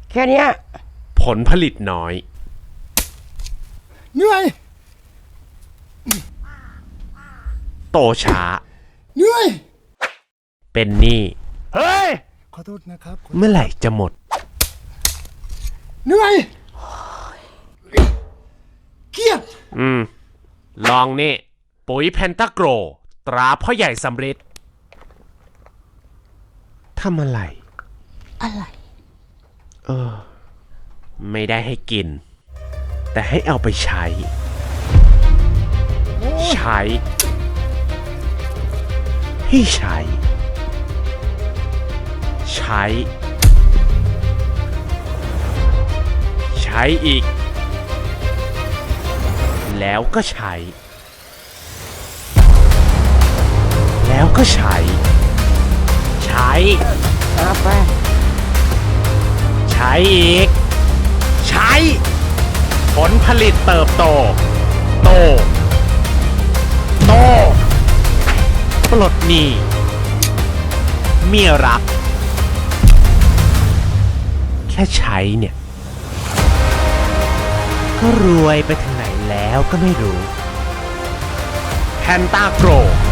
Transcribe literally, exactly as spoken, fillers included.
แค่เนี้ยผลผลิตน้อยเหนื่อยโตช้าเหนื่อยเป็นหนี้เฮ้ยขอโทษนะครับเมื่อไหร่จะหมดเหนื่อยเครียดอืม ลองนี่ ปุ๋ยแพนตาโกรตราพ่อใหญ่สำริดทำอะไรอะไรเออ ไม่ได้ให้กิน แต่ให้เอาไปใช้ ใช้ ให้ใช้ ใช้ ใช้อีก แล้วก็ใช้ แล้วก็ใช้ ใช้เอาไปใช้อีก ใช้ ผลผลิตเติบโต โต โต ปลดหนี้เมียรัก แค่ใช้เนี่ย ก็รวยไปถึงไหนแล้วก็ไม่รู้แพนตาโกร